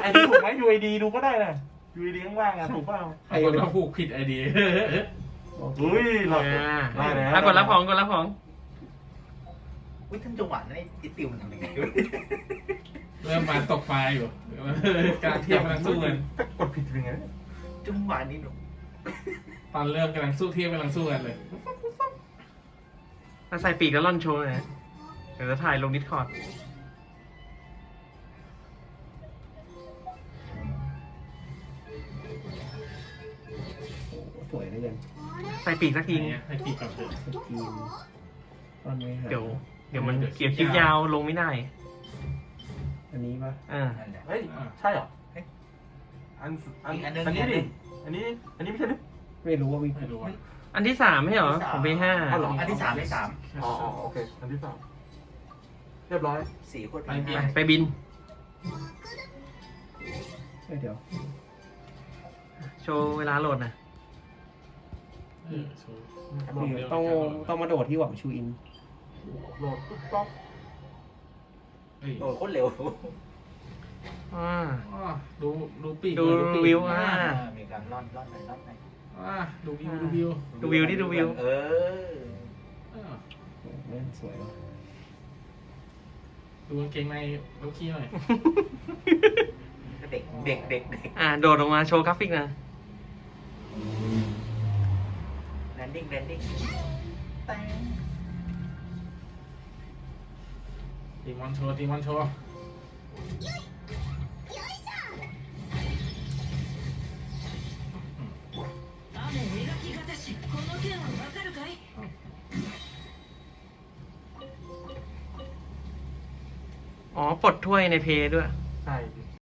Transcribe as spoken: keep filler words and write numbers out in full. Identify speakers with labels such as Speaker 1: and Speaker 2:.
Speaker 1: ไอดีถูกไหม ยู ไอ ดี ดูก็ได้นะ ยู ไอ ดี ข้างล่างอ่ะถูกเปล่า
Speaker 2: ใครคนผูกผิดไอเดีย
Speaker 1: อุ้ยหลอด
Speaker 3: อ่า
Speaker 1: ได้แล้ว
Speaker 3: อ่ะกดรับของกดรับของ
Speaker 4: อุ้ยท่านจังหวะนั้นไอ้ติวมันทำยังไงวะ
Speaker 2: เริ่มมาตกปลาอยู่การเทียบกำลังสู้กัน
Speaker 1: ถ้ากดผิดเป็นไง
Speaker 4: จังหวะนี้หนู
Speaker 2: ตอนเริ่มกำลังสู้เทียบกำลังสู้กันเลย
Speaker 3: มาใส่ปีกแล้วล่อนโชว์หนะเดี๋ยวจะถ่ายลงดิสคอร์ด
Speaker 5: สวยได้ยัง
Speaker 3: ใส่ปีกสักที
Speaker 2: เนี่ยให้ปีกก่อนเถอะ
Speaker 5: สกรีนตอนไม่หา
Speaker 3: เดี๋ยว เดี๋ยวมัน
Speaker 2: เดี๋ยว
Speaker 3: เกี่ยวคลิปยาวลงไม่ได้
Speaker 5: อันนี้ปะ
Speaker 3: อ่า
Speaker 4: นั่นแหละ
Speaker 1: เฮ้ย ใช่เหรออันอัน
Speaker 4: อีกอันหนึ่ง
Speaker 1: อันนี้
Speaker 4: อีกอันหนึ่
Speaker 1: ดิ
Speaker 4: ง
Speaker 1: อันนี้ อันนี้ไม่ใช่ดิ
Speaker 5: ไม่รู้ว่ามี
Speaker 2: ไม่รู้ว่า
Speaker 3: อันที่สามไม่ใช่เหรอของเบห้า
Speaker 1: อ้าวเหรอ
Speaker 4: อันที่สามที่สาม
Speaker 1: อ๋ออ๋อโอเค อันที่สามเรียบร้อย
Speaker 4: สี่โคตร
Speaker 2: ไป
Speaker 4: ไป
Speaker 2: เบีย
Speaker 3: ไป
Speaker 2: ร์
Speaker 3: ไปบิน
Speaker 5: เอ้ยเดี๋ยว
Speaker 3: โชว์เวลาโหลดนะ
Speaker 2: เออโชว์
Speaker 5: นี่ต้องต้องมาโดดที่หวังชูอิน
Speaker 1: โหลดปุ๊บป๊อก
Speaker 2: เฮ้ย
Speaker 4: โอ้โคตรเร็ว
Speaker 3: อ่า
Speaker 2: อ้อดูดูปีก
Speaker 3: ดู
Speaker 2: หน่อยปีก
Speaker 3: วิว
Speaker 2: อ่ะ
Speaker 3: อ่า
Speaker 4: มีการล่อนล่อนหน่อยล่อนหน่อย
Speaker 2: อ่ะดูวิวดูวิว
Speaker 3: ดูวิวดิดูวิว
Speaker 4: เออ
Speaker 2: เออ
Speaker 5: โอ้แม่งสวยว่ะ
Speaker 2: ดูกางเกงในลูกขี้หน่อย
Speaker 4: เด็กเด็กเด็กเด็ก
Speaker 3: อ่าโดดลงมาโชว์กราฟิกนะ
Speaker 4: แลนดิ้งแลนดิ้งแตง
Speaker 2: ตีมอนโชว์ตีมอนโชว์
Speaker 6: 雨描き方しこの剣はわかるかい
Speaker 3: อ๋อปลดถ้วยในเพย์ด้วย
Speaker 1: ใช่